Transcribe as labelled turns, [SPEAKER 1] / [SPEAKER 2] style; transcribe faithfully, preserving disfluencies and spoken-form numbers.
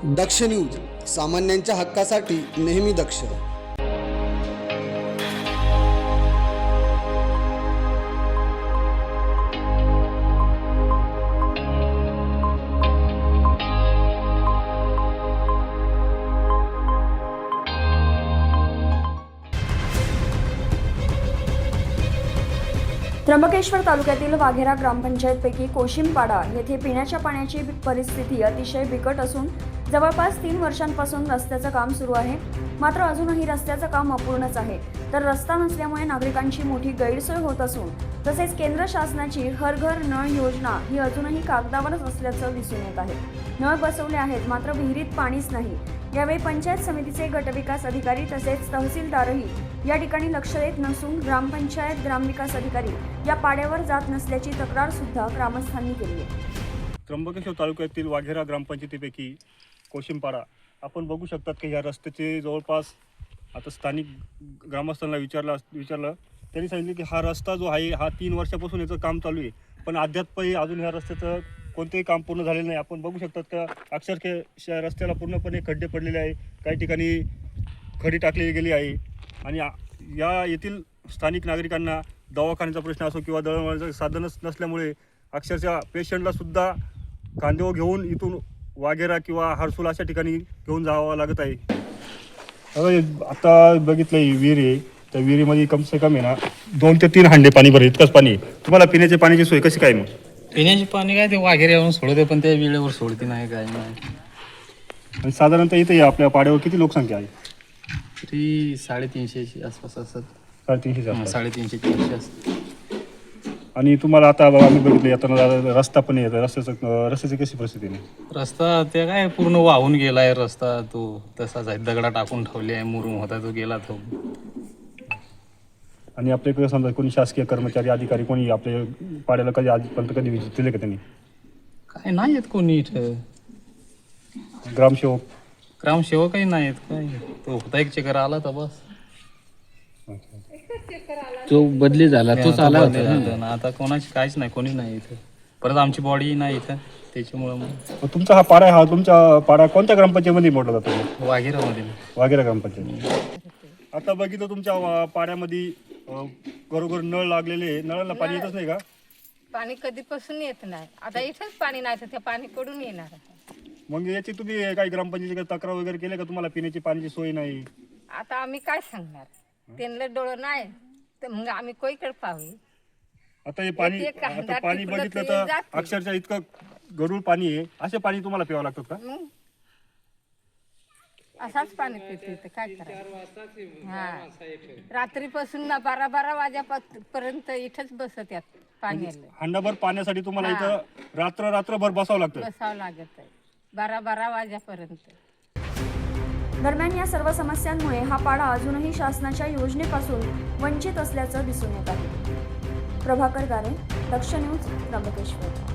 [SPEAKER 1] दक्ष news, सामान्यांच्या हक्कासाठी नेहमी दक्ष.
[SPEAKER 2] त्र्यंबकेश्वर तालुक्यातील वाघेरा ग्रामपंचायतपैकी कोशिमपाडा येथे पिण्याच्या पाण्याची परिस्थिती अतिशय बिकट असून जवळपास तीन वर्षांपासून रस्त्याचं काम सुरू आहे. मात्र अजूनही रस्त्याचं काम अपूर्णच आहे. तर रस्ता नसल्यामुळे नागरिकांची मोठी गैरसोय होत असून तसेच केंद्र शासनाची हर घर नळ योजना ही अजूनही कागदावरच असल्याचं दिसून येत आहे. नळ बसवले आहेत मात्र विहिरीत पाणीच नाही. यावेळी पंचायत समितीचे गटविकास अधिकारी तसेच तहसीलदारही या ठिकाणी लक्ष देत नसून ग्रामपंचायत ग्रामविकास अधिकारी या पाड्यावर जात नसल्याची तक्रार सुद्धा ग्रामस्थांनी केली आहे.
[SPEAKER 3] त्र्यंबकेश्वर तालुक्यातील वाघेरा ग्रामपंचायतीपैकी कोशिमपाडा आपण बघू शकतात की ह्या रस्त्याचे जवळपास आता स्थानिक ग्रामस्थांना विचारला विचारलं त्यांनी सांगितले की हा रस्ता जो आहे हा तीन वर्षापासून याचं काम चालू आहे, पण अद्यापही अजून ह्या रस्त्याचं कोणतेही काम पूर्ण झालेलं नाही. आपण बघू शकतात का अक्षरशः रस्त्याला पूर्णपणे खड्डे पडलेले आहे, काही ठिकाणी खडी टाकली गेली आहे आणि या येथील स्थानिक नागरिकांना दवाखान्याचा प्रश्न असो किंवा दळणवळणाचं साधनच नसल्यामुळे अक्षरशः पेशंटला सुद्धा कांदेव घेऊन इथून वाघेरा किंवा हरसूल अशा ठिकाणी घेऊन जावं लागत आहे. आता बघितलं ही विहीर आहे, त्या विहिरीमध्ये कम से कम आहे ना दोन ते तीन हांडे पाणी भरेल, इतकंच पाणी आहे. तुम्हाला पिण्याची पाण्याची सोय कशी काय मग?
[SPEAKER 4] पिण्याचे पाणी काय ते वाघेरे येऊन सोडते, पण त्या वेळेवर सोडते नाही काय नाही.
[SPEAKER 3] आणि साधारणतः इथे आपल्या पाड्यावर किती लोकसंख्या आहे?
[SPEAKER 4] तरी साडेतीनशेची आसपास असतात.
[SPEAKER 3] साडेतीनशे
[SPEAKER 4] हां, साडेतीनशे तीनशे असतात.
[SPEAKER 3] आणि तुम्हाला आता बघा आम्ही बघितलं येताना रस्ता पण येतो, रस्त्याचं रस्त्याची कशी परिस्थिती आहे?
[SPEAKER 4] रस्ता ते काय पूर्ण वाहून गेलाय रस्ता, तो तसाच आहे, दगडा टाकून ठेवले आहे, मुरुम होता तो गेला तो.
[SPEAKER 3] आणि आपल्याकडे समजा कोणी शासकीय कर्मचारी अधिकारी कोणी आपल्या पाड्याला कधी आजपर्यंत कधी विजिट दिले का त्यांनी?
[SPEAKER 4] काय नाही येत कोणी इथं.
[SPEAKER 3] ग्रामसेवक
[SPEAKER 4] ग्रामसेवकही नाही येत. काय तो होता एक चक्कर आला तर बस,
[SPEAKER 5] जो बदली झाला तोच आला होता
[SPEAKER 4] ना. आता कोणाची काहीच नाही, कोणी नाही इथं. परत आमची बॉडी नाही इथं, त्याच्यामुळं मग.
[SPEAKER 3] तुमचा हा पाडा हा तुमच्या पाडा कोणत्या ग्रामपंचायतीमध्ये मोडला जातो?
[SPEAKER 4] वाघेरामध्ये.
[SPEAKER 3] वाघेरा ग्रामपंचायत. आता बघितलं तुमच्या पाड्यामध्ये घरोघर नळ लागलेले आहे, नळाला पाणी येतच नाही का?
[SPEAKER 6] पाणी कधीपासून येत नाही. आता इथंच पाणी नाही तर ते पाणी कडून येणार.
[SPEAKER 3] मग याची तुम्ही काही ग्रामपंचायतीकडे तक्रार वगैरे केली का? तुम्हाला पिण्याची पाण्याची सोय नाही.
[SPEAKER 6] आता आम्ही काय सांगणार? त्यांना डोळं नाही तर मग आम्ही कोईकडे पाहू.
[SPEAKER 3] आता हे पाणी
[SPEAKER 6] एक- एक
[SPEAKER 3] आता
[SPEAKER 6] हांडा
[SPEAKER 3] पाणी
[SPEAKER 6] टिपलं
[SPEAKER 3] बघितलं
[SPEAKER 6] तरी
[SPEAKER 3] तर
[SPEAKER 6] जाते.
[SPEAKER 3] अक्षरशः इतकं गढूळ पाणी आहे. असे पाणी तुम्हाला प्यावं लागतं का?
[SPEAKER 6] मग असाच पाणी पितो इथं, काय करायचं? हा, रात्रीपासून ना बारा बारा वाजेपर्यंत इथंच बसत यात पाण्याला.
[SPEAKER 3] हांडाभर पाण्यासाठी तुम्हाला इथं रात्र रात्रभर बसावं लागतं.
[SPEAKER 6] बसावं लागत आहे बारा बारा वाजेपर्यंत.
[SPEAKER 2] दरम्यान या सर्व समस्यांमुळे हा पाडा अजूनही शासनाच्या योजनेपासून वंचित असल्याचं दिसून येत आहे. प्रभाकर गारे, दक्ष न्यूज, त्र्यंबकेश्वर.